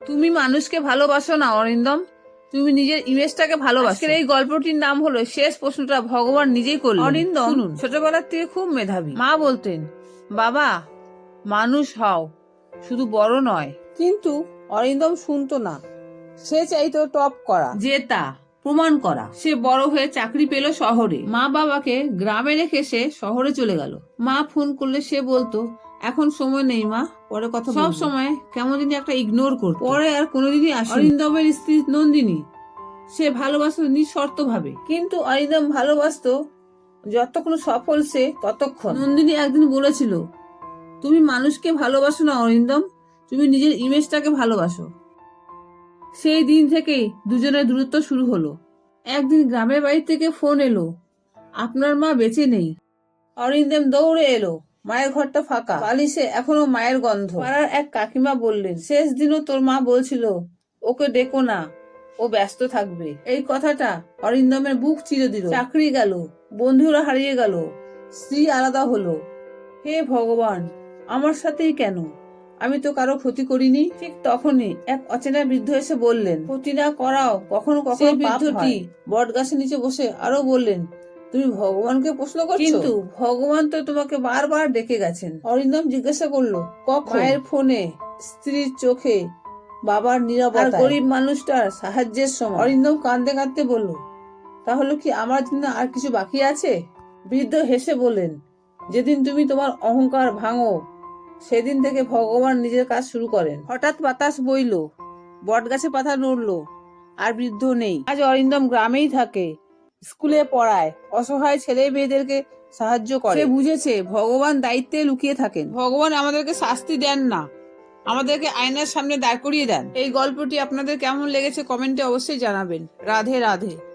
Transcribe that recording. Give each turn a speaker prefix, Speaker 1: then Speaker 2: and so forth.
Speaker 1: তুমি মানুষকে ভালোবাসো না অরিন্দম, তুমি নিজের ইমেজটাকে ভালোবাসো। আজকের এই গল্পটির নাম হলো শেষ প্রশ্নটা ভগবান নিজেই করলেন। অরিন্দম শুনুন, ছোটবেলার থেকে খুব মেধাবী। মা বলতেন, বাবা মানুষ হও, শুধু বড় নয়। কিন্তু অরিন্দম শুনতো না, সে চাইতো টপ করা, জেতা, প্রমাণ করা। সে বড় হয়ে চাকরি পেল শহরে। মা বাবাকে গ্রামে রেখে সে শহরে চলে গেল। মা ফোন করলে সে বলতো, এখন সময় নেই মা, পরে কথা বলবো। সব সময় কেমন জানি একটা ইগনোর করতো। পরে আর কোনোদিনই আসেনি। অরিন্দমের স্ত্রী নন্দিনী, সে ভালোবাসতো নিঃশর্ত ভাবে। কিন্তু অরিন্দম ভালোবাসতো যতক্ষণ সফল সে ততক্ষণ। নন্দিনী একদিন বলেছিল, তুমি মানুষকে ভালোবাসো না অরিন্দম, তুমি নিজের ইমেজটাকে ভালোবাসো। সেই দিন থেকেই দুজনের দূরত্ব শুরু হলো। একদিন গ্রামের বাড়ি থেকে ফোন এলো, আপনার মা বেঁচে নেই। অরিন্দম দৌড়ে এলো, মায়ের ঘরটা ফাঁকা, বালিশে এখনো মায়ের গন্ধ। পাড়ার এক কাকিমা বললেন, শেষ দিনও তোর মা বলছিল ওকে ডেকো না, ও ব্যস্ত থাকবে। এই কথাটা অরিন্দমের বুক চিরে দিল। চাকরি গেল, বন্ধুরা হারিয়ে গেল, স্ত্রী আলাদা হলো। হে ভগবান, আমার সাথেই কেন? আমি তো কারো ক্ষতি করিনি। ঠিক তখনই এক অচেনা বৃদ্ধ এসে বললেন, ক্ষতি না করাও কখনো কখনো বৃদ্ধটি বট গাছের নিচে বসে আরো বললেন, তুমি ভগবানকে প্রশ্ন করছো? কিন্তু ভগবান তো তোমাকে বারবার ডেকে গেছেন। অরিন্দম জিজ্ঞাসা করলো, কখন? মায়ের ফোনে, স্ত্রীর চোখে, বাবার নীরবতায়, আর গরিব মানুষটার সাহায্যের সময়। অরিন্দম কাঁদতে কাঁদতে বলল, তাহলে কি আমার জন্য আর কিছু বাকি আছে? বৃদ্ধ হেসে বললেন, যেদিন তুমি তোমার অহংকার ভাঙো সেদিন থেকে ভগবান নিজের কাজ শুরু করেন। হঠাৎ বাতাস বইল, বট গাছে পাতা নড়লো, আর বৃদ্ধ নেই। আজ অরিন্দম গ্রামেই থাকে, স্কুলে পড়ায়, অসহায় ছেলে মেয়েদেরকে সাহায্য করে। সে বুঝেছে ভগবান দায়িত্বে লুকিয়ে থাকেন। ভগবান আমাদেরকে শাস্তি দেন না, আমাদেরকে আয়নার সামনে দাঁড় করিয়ে দেন। এই গল্পটি আপনাদের কেমন লেগেছে কমেন্টে অবশ্যই জানাবেন। রাধে রাধে।